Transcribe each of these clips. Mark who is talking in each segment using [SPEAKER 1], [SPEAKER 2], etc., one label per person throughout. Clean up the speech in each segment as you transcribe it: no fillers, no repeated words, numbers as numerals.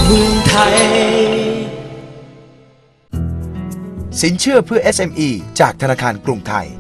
[SPEAKER 1] เมืองไทย
[SPEAKER 2] สินเชื่อเพื่อ SME จากธนาคารกรุงไทย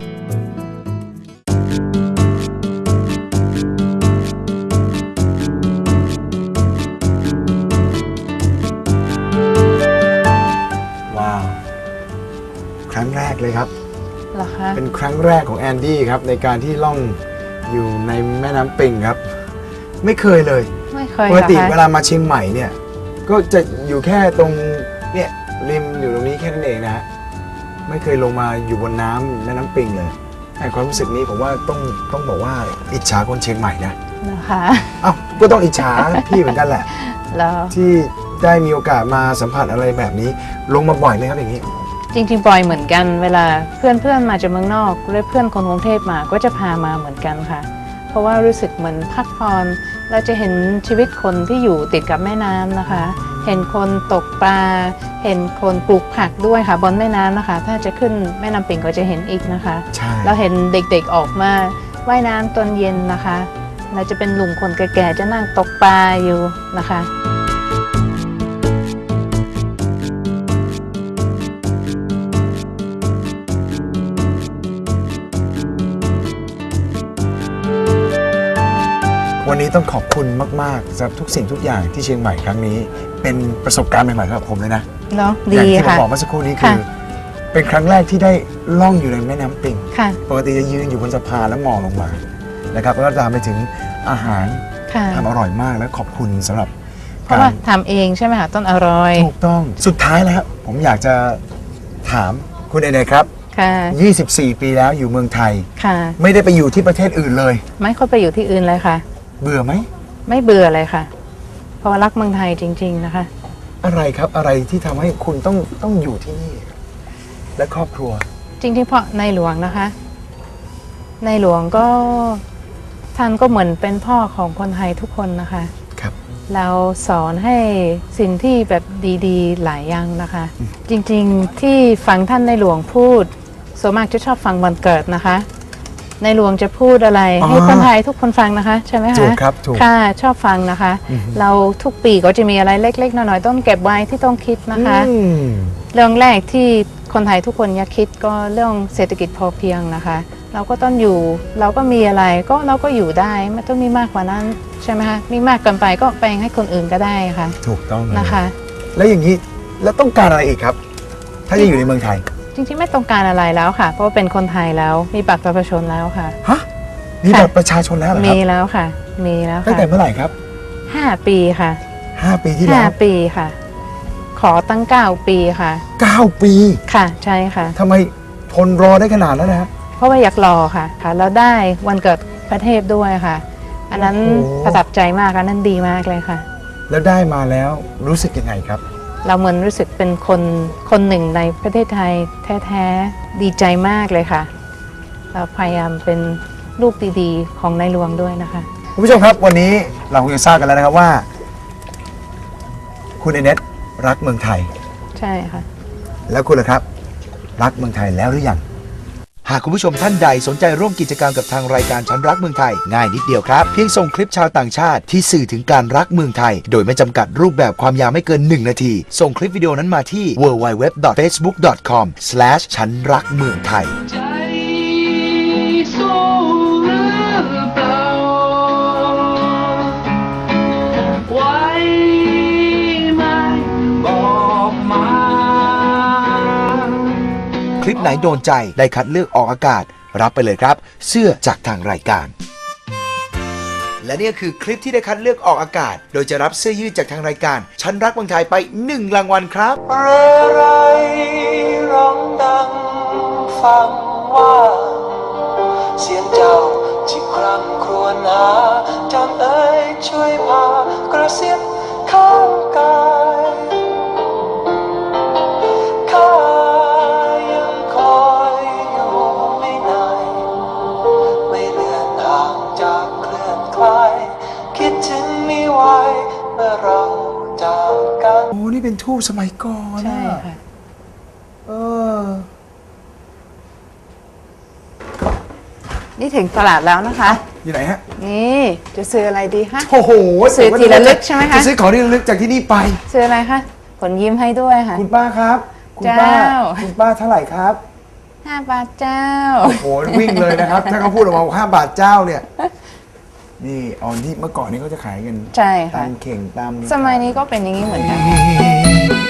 [SPEAKER 2] ว้าวครั้งแรกเลยครับ
[SPEAKER 3] เหรอคะ
[SPEAKER 2] เป็นครั้งแรกของแอนดี้ครับในการที่ล่องอยู่ในแม่น้ำปิงครับไม่เคยเลย
[SPEAKER 3] ไม่เคย
[SPEAKER 2] ปกติ
[SPEAKER 3] หรอคะ
[SPEAKER 2] เวลามาเชียงใหม่เนี่ยก็จะอยู่แค่ตรงเนี่ยริมอยู่ตรงนี้แค่นั้นเองนะฮะไม่เคยลงมาอยู่บนน้ำแม่น้ำปิงเลยไอ้ความรู้สึกนี้ผมว่าต้องบอกว่าอิจฉาคนเชียงใหม่นะ
[SPEAKER 3] เหรอคะ
[SPEAKER 2] เอ้าก็ต้องอิจฉา พี่เหมือนกันแหละ
[SPEAKER 3] แล้ว
[SPEAKER 2] ที่ได้มีโอกาสมาสัมผัสอะไรแบบนี้ลงมาบ่อยไหมครับอย่างนี้
[SPEAKER 3] จริงๆปอยเหมือนกันเวลาเพื่อนมาจากเมืองนอกหรือเพื่อนคนกรุงเทพมาก็จะพามาเหมือนกันค่ะเพราะว่ารู้สึกเหมือนพักผ่อนเราจะเห็นชีวิตคนที่อยู่ติดกับแม่น้ำนะคะเห็นคนตกปลาเห็นคนปลูกผักด้วยค่ะบนแม่น้ำนะคะถ้าจะขึ้นแม่น้ำปิงก็จะเห็นอีกนะคะ
[SPEAKER 2] ใช่
[SPEAKER 3] เราเห็นเด็กๆออกมาว่ายน้ำตอนเย็นนะคะเราจะเป็นลุงคนแก่ๆจะนั่งตกปลาอยู่นะคะ
[SPEAKER 2] วันนี้ต้องขอบคุณมากๆสำหรับทุกสิ่งทุกอย่างที่เชียงใหม่ครั้งนี้เป็นประสบการณ์ใหม่ๆสำหรับผมเลยนะ
[SPEAKER 3] เนาะ
[SPEAKER 2] อ
[SPEAKER 3] ดี
[SPEAKER 2] ย่างที่ผม
[SPEAKER 3] ค่ะ
[SPEAKER 2] บอกเมื่อสักครู่นี้คือ
[SPEAKER 3] ค่ะ
[SPEAKER 2] เป็นครั้งแรกที่ได้ล่องอยู่ในแม่น้ำปิง
[SPEAKER 3] ค่ะ
[SPEAKER 2] ปกติจะยืนอยู่บนสะพานแล้วมองลงมานะครับแล้วก็ตามไปถึงอาหาร
[SPEAKER 3] ค่ะ
[SPEAKER 2] ทำอร่อยมากและขอบคุณสำหรับ
[SPEAKER 3] เพราะว่าทำเองใช่ไหมคะต้นอร่อย
[SPEAKER 2] ถูกต้องสุดท้ายแล้วผมอยากจะถามคุณเอเนครับ
[SPEAKER 3] ค่ะ
[SPEAKER 2] 24 ปีแล้วอยู่เมืองไทย
[SPEAKER 3] ค่ะ
[SPEAKER 2] ไม่ได้ไปอยู่ที่ประเทศอื่นเลย
[SPEAKER 3] ไม่ค่อยไปอยู่ที่อื่นเลยค่ะ
[SPEAKER 2] เบื่อไหม
[SPEAKER 3] ไม่เบื่อเลยค่ะ เพราะว่ารักเมืองไทยจริง ๆนะคะ
[SPEAKER 2] อะไรครับอะไรที่ทำให้คุณต้องอยู่ที่นี่ และครอบครัว
[SPEAKER 3] จริงๆเพราะในหลวงนะคะ ในหลวงก็ท่านก็เหมือนเป็นพ่อของคนไทยทุกคนนะคะ
[SPEAKER 2] ครับ
[SPEAKER 3] เราสอนให้สิ่งที่แบบดีๆหลายอย่างนะคะ จริงๆที่ฟังท่านในหลวงพูดส่วนมากจะชอบฟังวันเกิดนะคะ ในหลวงจะพูดอะไรให้คนไทยทุกคนฟังนะคะใช่ไหมคะ
[SPEAKER 2] ถูกครับถูก
[SPEAKER 3] ค่ะชอบฟังนะคะ เราทุกปีก็จะมีอะไรเล็กๆน้อยๆต้องเก็บไว้ที่ต้องคิดนะคะ
[SPEAKER 2] อืม
[SPEAKER 3] เรื่องแรกที่คนไทยทุกคนอยากคิดก็เรื่องเศรษฐกิจพอเพียงนะคะ เราก็ต้องอยู่เราก็มีอะไรก็เราก็อยู่ได้ไม่ต้องมีมากกว่านั้นใช่ไหมคะมีมากเกินไปก็แบ่งให้คนอื่นก็ได้ค่ะ
[SPEAKER 2] ถูกต้องเลย
[SPEAKER 3] นะคะ
[SPEAKER 2] แล้วอย่างนี้แล้วต้องการอะไรอีกครับ ถ้าจะอยู่ในเมืองไทย
[SPEAKER 3] จริงๆไม่ต้องการอะไรแล้วค่ะ เพราะว่าเป็นคนไทยแล้วมีบัตรประชาชนแล้วค่ะ
[SPEAKER 2] ฮะมีบัตรประชาชนแล้วเหรอค
[SPEAKER 3] มี
[SPEAKER 2] รับ
[SPEAKER 3] แล้วค่ะ มีแล้ว
[SPEAKER 2] ตั้ง
[SPEAKER 3] ค่ะ
[SPEAKER 2] แต่เมื่อไหร่ครับ
[SPEAKER 3] 5 ปีค่ะ
[SPEAKER 2] 5 ปีที่แล้ว
[SPEAKER 3] 5 ปีค่ะ ขอตั้ง9 ปีค่ะ
[SPEAKER 2] 9 ปี
[SPEAKER 3] ค่ะใช่ค่ะ
[SPEAKER 2] ทำไมทนรอได้ขนาดนั้นนะฮะ
[SPEAKER 3] เพราะว่าอยากรอค่ะแล้วได้วันเกิดประเทศด้วยค่ะ อันนั้น
[SPEAKER 2] โอ้โห
[SPEAKER 3] ประทับใจมากอันนั้นดีมากเลยค่ะ
[SPEAKER 2] แล้วได้มาแล้วรู้สึกยังไงครับ
[SPEAKER 3] เราเหมือนรู้สึกเป็นคนหนึ่งในประเทศไทยแท้ๆดีใจมากเลยค่ะ เราพยายามเป็นลูกดีๆของในหลวงด้วยนะคะ
[SPEAKER 2] คุณผู้ชมครับวันนี้เราคงจะทราบกันแล้วนะครับว่า คุณเอเนตรักเมืองไทย
[SPEAKER 3] ใช่ค่ะ
[SPEAKER 2] แล้วคุณล่ะครับ รักเมืองไทยแล้วหรือยังหากคุณผู้ชมท่านใดสนใจร่วมกิจกรรมกับทางรายการฉันรักเมืองไทยง่ายนิดเดียวครับเพียงส่งคลิปชาวต่างชาติที่สื่อถึงการรักเมืองไทย โดยไม่จำกัดรูปแบบความยาวไม่เกิน 1 นาที ส่งคลิปวิดีโอนั้นมาที่ www.facebook.com/ ฉันรักเมืองไทย
[SPEAKER 1] ใจสู้หรือเปล่าไว้ไหมบอกมา
[SPEAKER 2] คลิปไหนโดนใจได้คัดเลือกออกอากาศรับไปเลยครับ เสื้อจากทางรายการ และนี่คือคลิปที่ได้คัดเลือกออกอากาศ โดยจะรับเสื้อยืดจากทางรายการฉันรักเมืองไทยไป1 รางวัลครับ
[SPEAKER 1] เรไรร้องดังฟังว่าเสียงเจ้าที่คร่ำครวญหาจำเอ๋ยช่วยพากระซิบข้างกายข้ายังคอยอยู่ไม่นานไม่เลือนห่างจากเคลื่อนคลายคิดถึงไม่ไหวเมื่อเราจากกัน
[SPEAKER 2] โอ้นี่เป็นทูบสมัยก่อน
[SPEAKER 3] ใช่
[SPEAKER 2] นะ
[SPEAKER 3] ค่ะ
[SPEAKER 2] เออ
[SPEAKER 3] นี่ถึงตลาดแล้วนะคะ
[SPEAKER 2] อยู่ไหนฮะ
[SPEAKER 3] นี่จะซื้ออะไรดีคะ
[SPEAKER 2] โอ้โห
[SPEAKER 3] ซื้อที่ระลึกใช่ไหมคะ
[SPEAKER 2] จะซื้อของที่ระลึกจากที่นี่ไป
[SPEAKER 3] ซื้ออะไรคะผลยิ้มให้ด้วยค่ะ
[SPEAKER 2] คุณป้าครับ คุณป้า
[SPEAKER 3] เจ้า
[SPEAKER 2] คุณป้าเท่าไหร่ครับ
[SPEAKER 3] 5 บาทเจ้า
[SPEAKER 2] โอ้โหวิ่งเลยนะครับ ถ้าเขาพูดออกมาว่า5 บาทเจ้าเนี่ย นี่ออนที่เมื่อก่อนนี้เขาจะขายกัน
[SPEAKER 3] ใช่ค่ะ
[SPEAKER 2] ตามเข่งตาม
[SPEAKER 3] สมัยนี้ก็เป็นอย่างนี้เหมือนกัน